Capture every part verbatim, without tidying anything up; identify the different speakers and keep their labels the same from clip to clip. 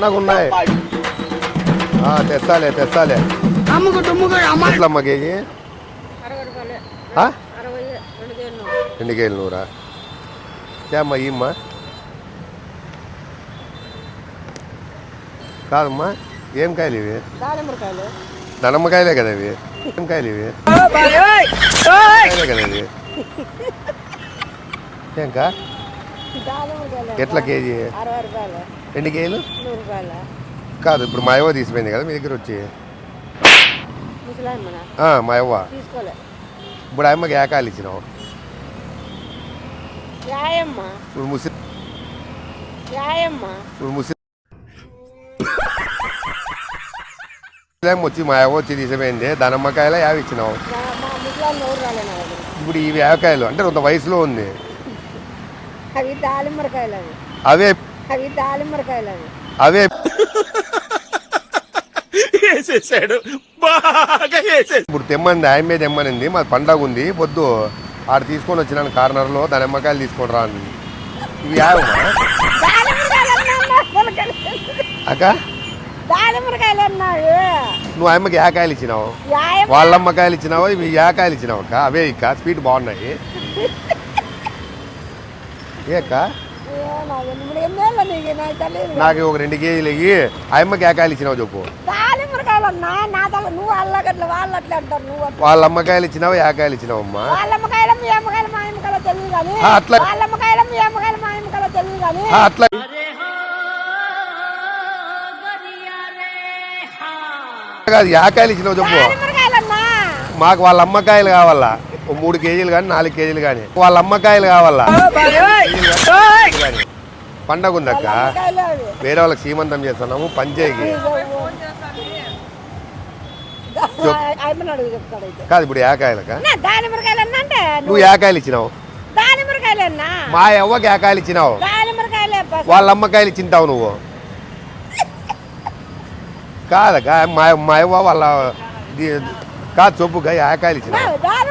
Speaker 1: సన్నగా ఉన్నాయి. తెస్తాలే తెస్తాలే ఎట్లమ్మ కేజీ? రెండు కేజీలు నూరా? అమ్మ ఇమ్మా కాదమ్మా, ఏం కాయలు ఇవి? దానిమ్మకాయలే కదా ఇవి? ఏం కాయలు ఇవి? కదా ఇవి ఏంకా ఎట్లా కేజీ? రెండు కేజీలు కాదు. ఇప్పుడు మా అవ్వ తీసిపోయింది కదా మీ దగ్గర వచ్చి. మా అవ్వ ఇప్పుడు అమ్మకి ఏ కాయలు ఇచ్చినావు? ఇప్పుడు ముస్లిం ఇప్పుడు ముస్లిం వచ్చి మా అవ్వ వచ్చి తీసిపోయింది. దానిమ్మకాయలు యావ ఇచ్చినావు. ఇప్పుడు ఇవి యావకాయలు అంటే కొంత వయసులో ఉంది. అవే అవే ఇప్పుడు తెమ్మంది ఆయమే తెమ్మనింది. మాది పండగ ఉంది పొద్దు ఆడ తీసుకొని వచ్చినాను కార్నర్లో. దాని నిమ్మకాయలు తీసుకొని రా అని. ఇవి యావమ్మా అక్క? నువ్వు అమ్మకి యాకాయలు ఇచ్చినావు, వాళ్ళ అమ్మకాయలు ఇచ్చినావు, ఇవి యాకాయలు ఇచ్చినావు అక్క. అవే ఇక్క స్వీట్ బాగున్నాయి. ఏక్క నాకు ఒక రెండు కేజీలు ఇవి అమ్మకి యాకాయలు ఇచ్చినావు చెప్పు. వాళ్ళ అమ్మకాయలు ఇచ్చినావు, యాకాయలు ఇచ్చినావు అమ్మా? అట్లా అట్లా కాదు, యాకాయలు ఇచ్చినావు చెప్పు. మాకు వాళ్ళ అమ్మకాయలు కావాలా, ఓ మూడు కేజీలు కానీ నాలుగు కేజీలు కానీ వాళ్ళ అమ్మకాయలు కావాలా. పండగ ఉందక్క, వేరే వాళ్ళకి సీమంతం చేస్తున్నాము పంచాయికి. కాదు ఇప్పుడు యాకాయలక? నువ్వు యాకాయలు ఇచ్చినావు, మా అవ్వకి యాకాయలు ఇచ్చినావు, వాళ్ళ అమ్మకాయలు ఇచ్చింటావు నువ్వు. కాదక్క మా మా అవ్వ వాళ్ళ కాదు చొప్పుగా యాకాయలు ఇచ్చినావు.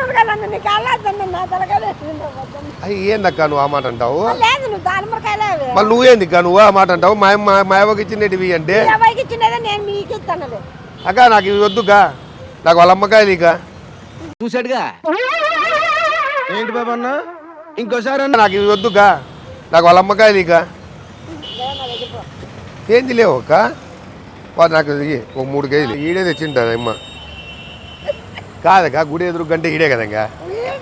Speaker 1: అవి ఏందక్క నువ్వు ఆ మాట అంటావు? మళ్ళీ నువ్వేందిక్క నువ్వు ఆ మాట అంటావు? మా మా అవ్వకి ఇచ్చినవి అంటే అక్క నాకు ఇవి వద్దుకా, నాకు వాళ్ళ అమ్మకాయలు ఇక
Speaker 2: చూసాడుగా ఏంటి బాబా అన్న ఇంకోసారి
Speaker 1: నాకు ఇవి వద్దుకా, నాకు వాళ్ళ అమ్మకాయలు ఇక ఏంది లేవు అక్క. వాడు నాకు ఒక మూడు కేజీలు ఈడే తెచ్చింటుంది అమ్మ. కాదక్క గుడి ఎదురు గంటే ఈడే కదా ఇంకా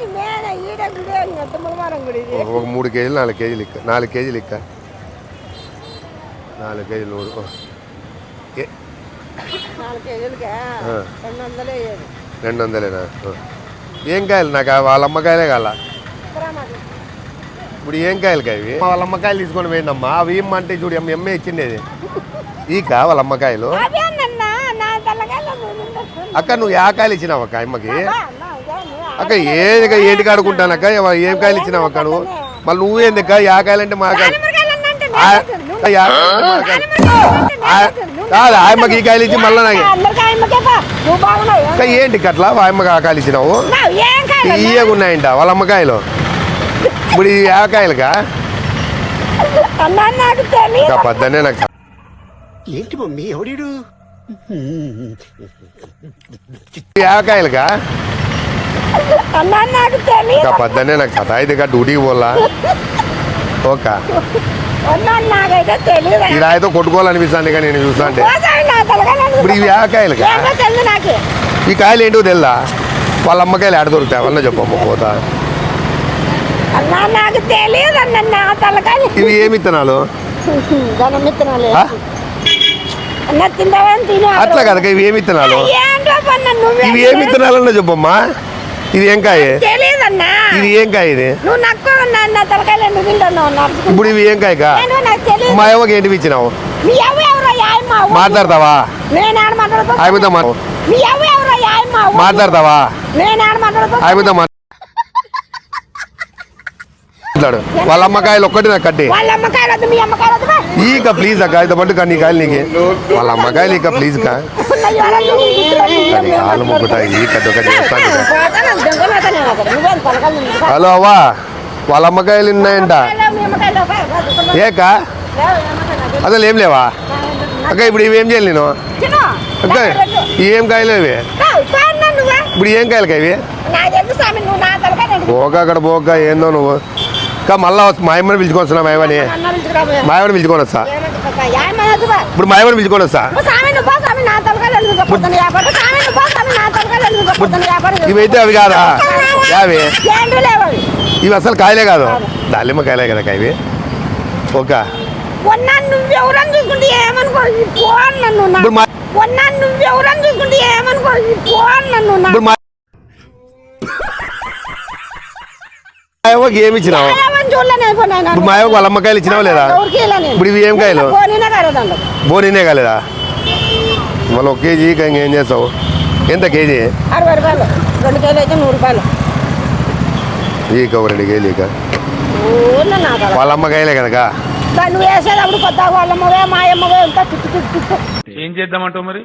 Speaker 1: ఒక మూడు కేజీలు నాలుగు కేజీలు ఇక్క నాలుగు కేజీలు ఇక్క నాలుగు కేజీలు నూరు రెండు వందలేనా? ఏం కాయలు నాకు వాళ్ళ అమ్మకాయలే కాల. ఇప్పుడు ఏం కాయలు కావి? వాళ్ళ అమ్మకాయలు తీసుకొని పోయిందమ్మా. అవి ఏమంటే చూడు ఎమ్మె ఇచ్చిండేది ఈక వాళ్ళ అమ్మకాయలు. అక్క నువ్వు ఏ కాయలు ఇచ్చినావు అక్క అమ్మకి? అక్క ఏది ఏంటి కాడుకుంటానక్క ఏం కాయలు ఇచ్చినావు అక్క నువ్వు? మళ్ళీ నువ్వేందుక ఏ కాయలు అంటే మా కాదు ఆయమ్మకి ఈ కాయలు ఇచ్చి మళ్ళీ నాకు ఏంటి అట్లా ఆయమ్మకి ఆ కాయలు ఇచ్చినావు? ఇయ్యగా ఉన్నాయంట వాళ్ళ అమ్మకాయలు. ఇప్పుడు ఈ యాకాయలుగా పద్దనే నాకు
Speaker 2: ఏంటి మమ్మీ ఎవడీడు
Speaker 1: యాకాయలుగా పద్దనే నాకు కథ అయితే డ్యూటీకి పోలా ఓకే ఇలా అయితే కొట్టుకోవాలనిపిస్తాను కానీ నేను చూస్తా అంటే. ఇప్పుడు ఇవి యాకాయలుగా ఈ కాయలు ఏంటో తెల్దా? వాళ్ళ అమ్మకాయలు ఆడ దొరుకుతాయి అవన్నీ చెప్పమ్మ పోతా. ఇవి ఏమి విత్తనాలు? అట్లా కదా ఇవి ఏమి విత్తనాలు? ఇవి ఏమి విత్తనాలన్నా చెప్పమ్మా. ఇది ఏం కాయ? ఇది ఏం కాయ? ఇది ఇప్పుడు ఇవి ఏం కాయకా? మా అవ్వకి ఏంటి ఇచ్చినావు? మాట్లాడతావా? ఆమెతో మాట్లాడతావా? ఆమెతో మాట్లాడు. వాళ్ళ అమ్మకాయలు ఒక్కటి నాకు కట్టి ఈక ప్లీజ్ అక్క ఇది పట్టు కానీ కాయలు నీకు వాళ్ళ అమ్మకాయలు ఇక ప్లీజ్ కా కాలు ముగ్గుతా ఈ కట్టు ఒకటి. హలో అవ్వా వాళ్ళ అమ్మకాయలు ఉన్నాయంట ఏకా? అసలు ఏం లేవా? అక్క ఇప్పుడు ఇవి ఏం చేయాలి నేను
Speaker 3: తిను.
Speaker 1: అక్క ఇవి ఏం కాయలు ఇవి
Speaker 3: రావు, పోయినా నువ్వే.
Speaker 1: ఇప్పుడు ఏం కాయలు ఇవి
Speaker 3: నాకు తెలుసు స్వామి, నువ్వు నా తలకాయ నేను
Speaker 1: పోక అక్కడ పోక ఏందో నువ్వు అక్క మళ్ళా వస్తా మా అమ్మని పిలుచుకొని వస్తున్నా మా అమ్మని
Speaker 3: అన్నా పిలుచుకురాబోయే.
Speaker 1: మా అమ్మని పిలుచుకొని వస్తా
Speaker 3: ఏమంటే పక్క, ఏమన్నది బా?
Speaker 1: ఇప్పుడు మా అమ్మని పిలుచుకొని వస్తా
Speaker 3: నువ్వు స్వామి, నువ్వు పో స్వామి, నా తలకాయ ఎందుకు పొద్దున్న వ్యాపారం? స్వామి, నువ్వు పో స్వామి, నా తలకాయ ఎందుకు పొద్దున్న వ్యాపారం?
Speaker 1: ఇవైతే అవి కాదా యావి
Speaker 3: ఏంటో లేవు అవి.
Speaker 1: ఇవి అసలు కాయలే కాదు దాలిమ్మ కాయలే కదా అక్క ఇవి ఓక
Speaker 3: ఉన్నా నువ్వెవరని చూసుకుంటే ఏమనుకో, ఈ ఫోన్ నన్ను నా-
Speaker 1: ఇప్పుడు మా
Speaker 3: ఉన్నా నువ్వెవరని చూసుకుంటే ఏమనుకో, ఈ ఫోన్ నన్ను నా-
Speaker 1: ఇప్పుడు మా అవ్వకి ఏమి ఇచ్చినావు
Speaker 3: ఏమని చూడలే నేను ఇప్పుడు నేను.
Speaker 1: ఇప్పుడు మా అవ్వకు వాళ్ళ అమ్మకాయలు ఇచ్చినావు లేదా
Speaker 3: ఎవరికి ఇలా నేను.
Speaker 1: ఇప్పుడు ఇవి ఏం కాయలు
Speaker 3: పోనీనే కాలేదండి.
Speaker 1: బోనీనే కాలేదా మళ్ళీ ఒక కేజీ ఇంకేం చేస్తావు ఎంత కేజీ
Speaker 3: అరవై రూపాయలు, రెండు కేజీలు అయితే నూరు రూపాయలు.
Speaker 1: ఈక ఒక రెండు కేజీ ఈక
Speaker 3: ఊళ్ళో నా తల.
Speaker 1: వాళ్ళ అమ్మకాయలే కనుక
Speaker 3: దాన్ని నువ్వు వేసేటప్పుడు కొత్త వాళ్ళమ్మవే మాయమ్మవే అంతా చుట్టూ చుట్టూ చుట్టూ
Speaker 4: ఏం చేద్దామంటావు మరి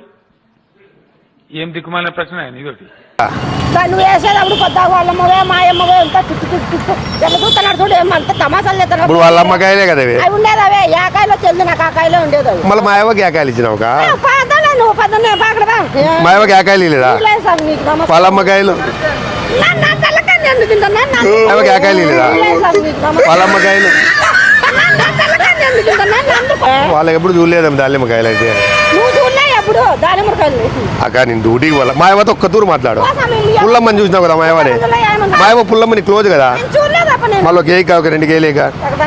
Speaker 4: ఏం దిక్కుమాలిన ప్రశ్న ఇదొకటి
Speaker 3: దాన్ని నువ్వు వేసేటప్పుడు కొత్త వాళ్ళమ్మవే మాయమ్మవే అంతా చుట్టూ చుట్టూ చుట్టూ ఎట్లా చూస్తున్నాడు చూడు, ఏమంత తమాసాలు చేస్తున్నాడు.
Speaker 1: ఇప్పుడు వాళ్ళ అమ్మకాయలే కదా ఇవి
Speaker 3: అవి ఉండేది అవే, ఏ కాయలో చెల్లి నాకు ఆ కాయలో ఉండేది అవి.
Speaker 1: మళ్ళీ మా అవ్వకి ఏకాయలు ఇచ్చినావు కా
Speaker 3: పదలే నువ్వు పదనే పాకడదా
Speaker 1: మా అవ్వకి ఏకాయలు లేదా
Speaker 3: సార్ నీకు నమస్కారం.
Speaker 1: వాళ్ళ అమ్మకాయలు
Speaker 3: నా నా తలకాయ నేను తింటాను. నా- నా-
Speaker 1: మా అవ్వకి ఏకాయలు లేదా
Speaker 3: లేదు సార్ నీకు నమస్కారం.
Speaker 1: వాళ్ళ అమ్మకాయలు
Speaker 3: నా- నా తలకాయ నేను తింటాను. నా- అందుకు.
Speaker 1: వాళ్ళకి ఎప్పుడు చూడలేదమ్మ దాలిమ్మకాయలు అయితే
Speaker 3: నువ్వు చూడలే ఎప్పుడు దానిమ్మకాయలు
Speaker 1: అక్క నేను డ్యూటీకి వాళ్ళ మా అవ్వతో ఒక్క తూరు మాట్లాడు పుల్లమ్మని చూసినావు కదా మా అవ్వని మా అవ్వ పుల్లమ్మని క్లోజ్ కదా
Speaker 3: చూడలేదప్ప నేను.
Speaker 1: మళ్ళీ ఒక కేక్ ఒక రెండు కేజీలేక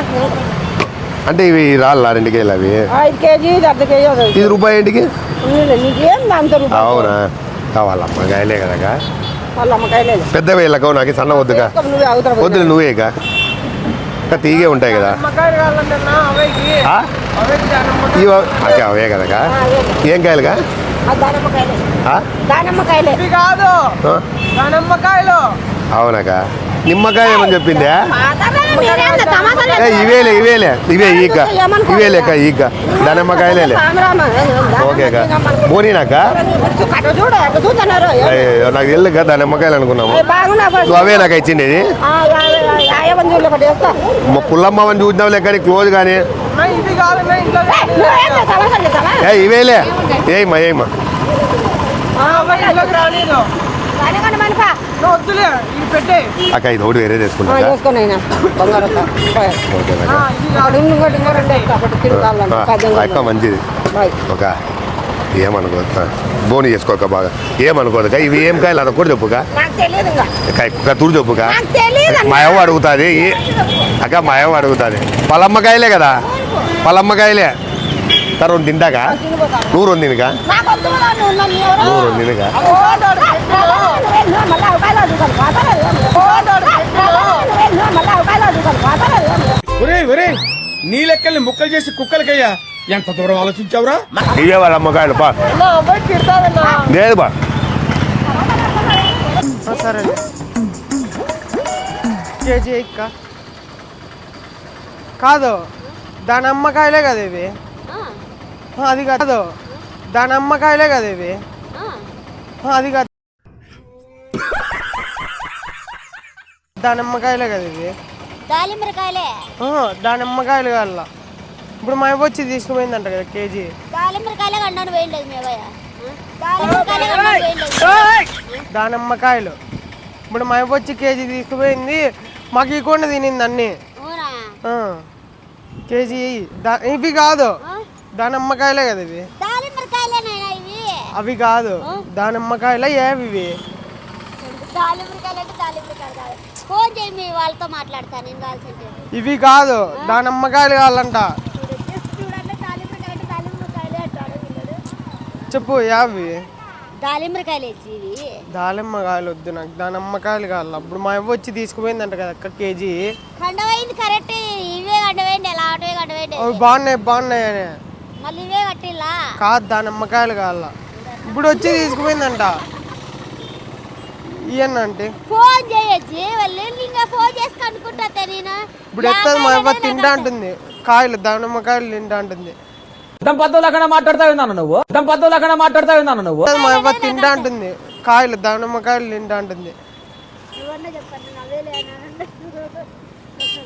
Speaker 1: అంటే ఇవి రాళ్ళ రెండు కేజీలు అవి
Speaker 3: ఐదు కేజీ ఇది అర్ధ కేజీ అవుతుంది.
Speaker 1: ఇది రూపాయి ఏంటికి
Speaker 3: నీకేం దాంతో రూపాయి?
Speaker 1: అవునా ఆ, వాళ్ళ అమ్మకాయలే కదా
Speaker 3: వాళ్ళ అమ్మకాయలు లేదు.
Speaker 1: పెద్ద వేళ్ళకవు నాకు సన్న వద్దుగా
Speaker 3: నువ్వే అవుతారు
Speaker 1: వద్దులే నువ్వేక ఇంకా తీగే ఉంటాయి కదా ఆ? ఇవి అక్క అవే కదా ఏం కాయలుగా
Speaker 3: దానిమ్మకాయలే
Speaker 1: ఆ?
Speaker 3: దానిమ్మకాయలే
Speaker 2: కాదు
Speaker 1: ఆ?
Speaker 2: దానమ్మకాయలు
Speaker 1: అవునక్క నిమ్మకాయ ఏమని చెప్పిందే
Speaker 3: మాట్లాడాలి మీరేంది తమాషాలు
Speaker 1: ఏ ఇవేలే ఇవేలే ఇవే ఈక
Speaker 3: ఏమనుకో.
Speaker 1: ఇవేలేక ఈక దానిమ్మకాయలే
Speaker 3: రామరామ.
Speaker 1: ఓకే అక్క బోనీనాక
Speaker 3: అటు చూడు అటు చూస్తున్నారు.
Speaker 1: అయ్యో నాకు తెలియదు కదా దానిమ్మకాయలు అనుకున్నాము
Speaker 3: ఏ బాగున్నా బా.
Speaker 1: నువ్వు అవే నాకు ఇచ్చిండేది
Speaker 3: ఆ, యా- యా- యాభై చూడలే ఒకటి వేస్తా.
Speaker 1: మా పుల్లమ్మని చూసినావు లెక్కని క్లోజ్ కానీ
Speaker 2: ఇవి కాదు ఇంట్లో
Speaker 3: ఏ, నువ్వేంది తమాషాలు చేస్తావా?
Speaker 1: ఏ ఇవేలే ఏమ్మా ఏమ్మా
Speaker 2: ఇంట్లోకి రాలేదు
Speaker 3: దానికంటే మనపా.
Speaker 2: నువ్వు వద్దులే ఇది పెట్టే
Speaker 1: అక్క ఇది ఒకటి వేరే
Speaker 3: ఆ,
Speaker 1: చేసుకున్నా
Speaker 3: చేసుకోండి అయినా బంగారు పోయి.
Speaker 1: ఓకే
Speaker 3: ఒకటి ఇంకోటి ఇంకో రెండు వేస్తా. ఒకటి తిరుగుతాను
Speaker 1: అక్క మంచిది ఒక ఏమనుకోదు బోని చేసుకోక బాగా ఏమనుకోదు అక్క ఇవి ఏం కాయలు అదొకటి చెప్పుక
Speaker 3: నాకు తెలియదు ఇంకా
Speaker 1: తూరు చెప్పుక
Speaker 3: నాకు తెలియదు
Speaker 1: మా అవ్వ అడుగుతుంది అక్క మా అవ్వ అడుగుతుంది పలమ్మకాయలే కదా పలమ్మకాయలే సార్ రెండు తింటాక నువ్వు రెండు తినక
Speaker 3: నాకు వద్దు కదా, నువ్వు నన్ను ఎవరో-
Speaker 1: నువ్వు రెండు తినక
Speaker 3: మళ్ళీ అవకాశాలు అడుగుతాను పాతలేదు మళ్ళీ అవకాశాలు అడుగుతాను పాతలేదు.
Speaker 2: ఒరే ఒరే నీ లెక్కల్ని ముక్కలు చేసి కుక్కలకయ్యా ఎంత దూరం ఆలోచించావురా
Speaker 1: ఇవే వాళ్ళ అమ్మకాయలు బా లేదు బా
Speaker 2: సరే కేజీ ఇక్క కాదు దాని అమ్మకాయలే కదా ఇవి ఆ, అది కాదు దాని అమ్మకాయలే కదా ఇవి ఆ, అది కాదు దాని అమ్మకాయలే కదా ఇవి
Speaker 5: దాలింబరకాయలే
Speaker 2: ఆ, దాని అమ్మకాయలు కాదు ఇప్పుడు మా అవ్వ వచ్చి తీసుకుపోయిందంట కదా కేజీ
Speaker 5: దాలింబరకాయలే కండాను వేయండి మీ అబ్బాయి దాలింబరకాయలే కండాను వేయండి
Speaker 2: దానిమ్మకాయలు ఇప్పుడు మా అవ్వ వచ్చి కేజీ తీసుకుపోయింది మాకు ఇవ్వకుండా తినింది అన్ని
Speaker 5: అవునా
Speaker 2: ఆ, కేజీ దా- ఇవి కాదు దానిమ్మకాయలే కదా ఇవి
Speaker 5: దాలింబరకాయలేనా ఇవి
Speaker 2: అవి కాదు దానిమ్మకాయలే ఏవి ఇవి
Speaker 5: దాలింబరకాయలు అంటే దాలింబరకాయలు కాదు ఫోన్ చేయి మీ వాళ్ళతో మాట్లాడతాను నేను కావాల్సింటే
Speaker 2: ఇవి కాదు దానిమ్మకాయలు కావాలంట
Speaker 5: చూడండి దాలింబరకాయలు అంటే దాలింబరకాయలే అంటాడు వీళ్ళు
Speaker 2: చెప్పు యావి
Speaker 5: దాలింబరకాయలు ఇచ్చి ఇవి
Speaker 2: దానిమ్మకాయలు వద్దు నాకు దానిమ్మకాయలు కావాలి ఇప్పుడు మా అవ్వ వచ్చి తీసుకుపోయిందంట కదా అక్క కేజీ
Speaker 5: కండవైంది కరెక్ట్ ఇవే కండవేయండి ఎలా ఆటోవే కండవేయండి
Speaker 2: అవి బాగున్నాయి బాగున్నాయి అని
Speaker 5: మళ్ళీ ఇవే కట్టిల్లా
Speaker 2: కాదు దానిమ్మకాయలు కావాల ఇప్పుడు వచ్చి తీసుకుపోయిందంట ఇవన్న అంటే
Speaker 5: ఫోన్ చేయొచ్చి వాళ్ళు ఇంకా ఫోన్ చేసి కనుక్కుంటా నేను
Speaker 2: ఇప్పుడు ఎత్తది మా అవ్వ తింటా అంటుంది కాయలు దానిమ్మకాయలు తింటా అంటుంది
Speaker 6: మాట్లాడతా ఉన్నాను నువ్వు దంపతులకన్నా మాట్లాడతా ఉన్నాను నువ్వు
Speaker 2: ఎత్తది మా అవ్వ తింటా అంటుంది కాయలు దానిమ్మకాయలు తింటా అంటుంది
Speaker 5: నువ్వన్నా చెప్పండి నవ్వేలే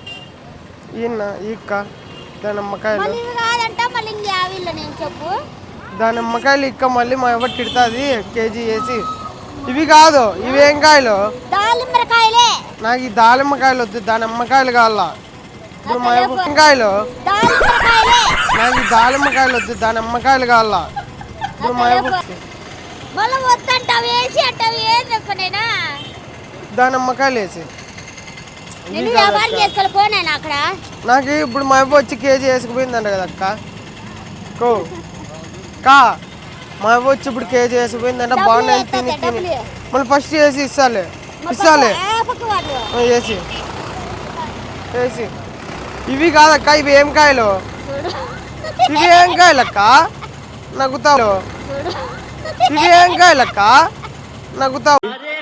Speaker 2: ఈయన ఈక్క దానిమ్మకాయలు
Speaker 5: మళ్ళీ ఇవి కాదంట మళ్ళీ ఇంకా యావిల్ల నేను చెప్పు
Speaker 2: దానిమ్మకాయలు ఇక్క మళ్ళీ మా ఎవరు తిడుతుంది కేజీ వేసి. ఇవి కాదు, ఇవి ఏం కాయలు?
Speaker 5: దాలింబరకాయలే.
Speaker 2: నాకు ఈ దానిమ్మకాయలు వద్దు, దానిమ్మకాయలు కావాలా. ఇప్పుడు మా ఎవరు ఏం కాయలు?
Speaker 5: దాలింబరకాయలే.
Speaker 2: నాకు ఈ దానిమ్మకాయలు వద్దు, దానిమ్మకాయలు కావాలా. ఇప్పుడు మా ఎవరు
Speaker 5: మళ్ళీ వద్దంటావు వేసి అంటావు ఏం చెప్పనేనా?
Speaker 2: దానిమ్మకాయలు వేసి.
Speaker 5: నేను వ్యాపారం చేసుకోవాలి పోనేనా అక్కడ.
Speaker 2: నాకు ఇప్పుడు మా అవ్వ వచ్చి కేజీ వేసుకుపోయిందంట కదా అక్క. కో కా మా అవ్వ వచ్చి ఇప్పుడు కేజీ వేసుకుపోయిందంట. బాగున్నాయి తిని తిని మళ్ళీ ఫస్ట్ వేసి ఇస్తాలే ఇస్తాలే వేసి వేసి. ఇవి కాదక్క, ఇవి ఏం కాయలు? ఇవి ఏం కాయలు అక్క? నగ్గుతావు. ఇవి ఏం కాయలు అక్క? నగ్గుతావు.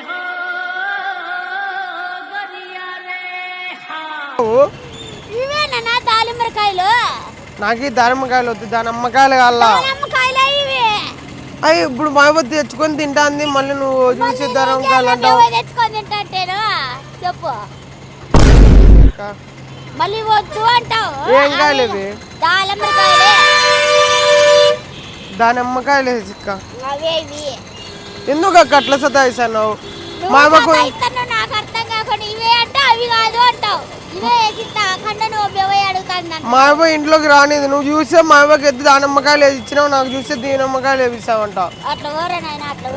Speaker 5: ఇవేనా దాలింబరకాయలు?
Speaker 2: నాకు ఈ దానిమ్మకాయలు వద్దు, దానిమ్మకాయలు కావాలా.
Speaker 5: దానిమ్మకాయలే ఇవి.
Speaker 2: అయ్యి ఇప్పుడు మా అవ్వ తెచ్చుకొని తింటాంది, మళ్ళీ నువ్వు చూసి దానిమ్మకాయలు అంటావు.
Speaker 5: తెచ్చుకొని తింటాంటేను చెప్పు. మళ్ళీ వద్దు అంటావు.
Speaker 2: ఏం కాయలు ఇవి?
Speaker 5: దాలింబరకాయలే.
Speaker 2: దానిమ్మకాయలు వేసిక్క.
Speaker 5: అవే ఇవి.
Speaker 2: ఎందుకు అక్క అట్లా సతాయిస్తున్నావు?
Speaker 5: నువ్వు
Speaker 2: మా అవ్వకు
Speaker 5: సతాయిస్తున్నావు, నాకు అర్థం కాకుండా ఇవే అంటే అవి కాదు అంటావు. ఇవే వేసిస్తా కంటే నువ్వు బెవై అడుగుతాను.
Speaker 2: మా అవ్వ ఇంట్లోకి రానిది, నువ్వు చూస్తే మా అవ్వకి ఎద్దు దానిమ్మకాయలు వేసి ఇచ్చినావు, నాకు చూస్తే దీనమ్మకాయలు వేసిస్తావంట.
Speaker 5: అట్లా ఊరేనాయన అట్లా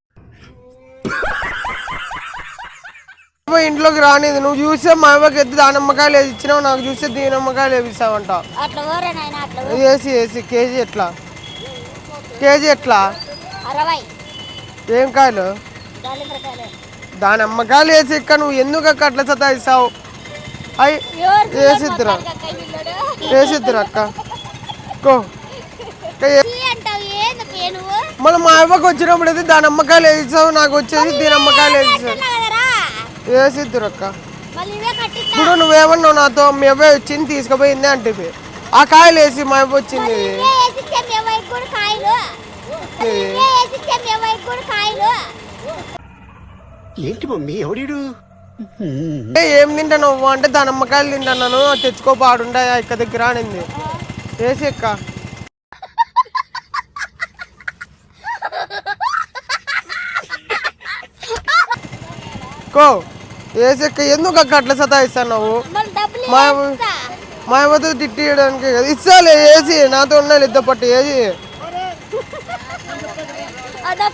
Speaker 2: అవ్వ ఇంట్లోకి రానిది, నువ్వు చూస్తే మా అవ్వకి ఎద్దు దానిమ్మకాయలు వేసి ఇచ్చినావు, నాకు చూస్తే దీనమ్మకాయలు వేసిస్తావంట.
Speaker 5: అట్లా ఊరేనాయన అట్లా
Speaker 2: వేసి వేసి కేజీ ఎట్లా? కేజీ ఎట్లా?
Speaker 5: అరవై.
Speaker 2: ఏం కాయలు?
Speaker 5: దాలింబరకాయలే.
Speaker 2: దానిమ్మకాయలు వేసి ఇక్క, నువ్వు ఎందుకు అక్క అట్లా సతాయిస్తావు? అయ్యి వేసిద్దురా వేసిద్దురా అక్క. కో
Speaker 5: అంటావు ఏంది పేరు?
Speaker 2: మళ్ళీ మా అవ్వకి వచ్చినప్పుడు అయితే దాని అమ్మకాయలు వేసావు, నాకు వచ్చేసి దీని అమ్మకాయలు వేసావు. వేసిద్దురు అక్క.
Speaker 5: మళ్ళీ ఇవే కట్టిస్తా.
Speaker 2: ఇప్పుడు నువ్వేమన్నావు నాతో, మీ అవ్వ వచ్చింది తీసుకుపోయింది అంటే ఆ కాయలు వేసి మా అవ్వ వచ్చింది.
Speaker 5: ఇవే వేసిచ్చే బెవై కూడా కాయలు. ఇవే వేసిచ్చే బెవై కూడా కాయలు.
Speaker 7: ఏంటి మమ్మీ ఎవడీడు?
Speaker 2: ఏ, ఏం తింటాను అంటే దాని అమ్మకాయలు తింటాను, తెచ్చుకో పాడుండే ఇక్క దగ్గర అనింది. వేసి ఎక్క. కో వేసి ఎక్క. ఎందుకు అక్క అట్లా సతాయిస్తున్నావు?
Speaker 5: మళ్ళీ డబ్బులు
Speaker 2: మా
Speaker 5: ఇస్తా.
Speaker 2: మా అవ్వతో తిట్టియడానికి కదా ఇస్తాలే వేసి, నాతో ఉండాలి ఇద్దరు పట్టు వేసి.
Speaker 5: అదో